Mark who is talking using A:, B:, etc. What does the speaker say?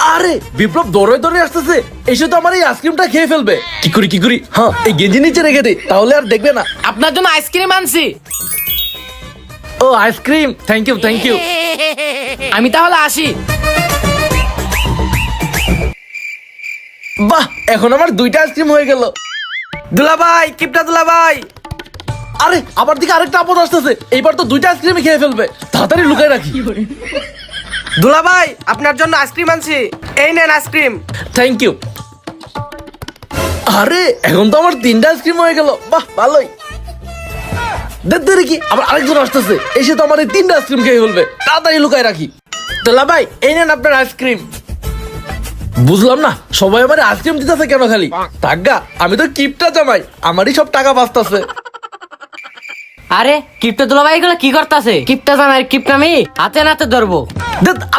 A: আরে বিপ্লব দৌড়ে দৌড়ে আসতেছে, এসে তো আমার এই আইসক্রিমটা খেয়ে ফেলবে। কি করি হ্যাঁ, এই গেঞ্জি নিচে রেখে দে, তাহলে আর দেখবে না।
B: আপনার জন্য আইসক্রিম আনছি।
A: ও আইসক্রিম, থ্যাংক ইউ।
B: আমি তাহলে আসি।
A: বাহ, এখন আমার 2টা আইসক্রিম হয়ে গেল।
C: দুলাভাই, কিপটা দুলাভাই।
A: আরে আবার দিকে আরেকটা আপদ আসতেছে, এইবার তো 2টা আইসক্রিমই খেয়ে ফেলবে, তাড়াতাড়ি লুকায় রাখি।
C: দুলাভাই, আপনার জন্য আইসক্রিম আনছি, এই নেন আইসক্রিম।
A: Thank you. আরে এখন তো আমার 3টা আইসক্রিম হয়ে গেল, বাহ ভালোই। দেখতে কি আবার আরেকজন আসতেছে, এসে তো আমার এই 3টা আইসক্রিম খেয়ে ফেলবে, তাড়াতাড়ি লুকায় রাখি। তোলা ভাই, এই নেন আপনার আইসক্রিম। বুঝলাম না সবাই আমার আইসক্রিম দিতেছে কেন খালি? টাকা, আমি তো কিপটা জামাই, আমারই সব টাকা বাঁচতেছে।
B: আরে কিপটা দুলাভাই এগুলো কি করতেছে? কিপটা জামাই কিপটা আমি হাতে নাতে ধরবো।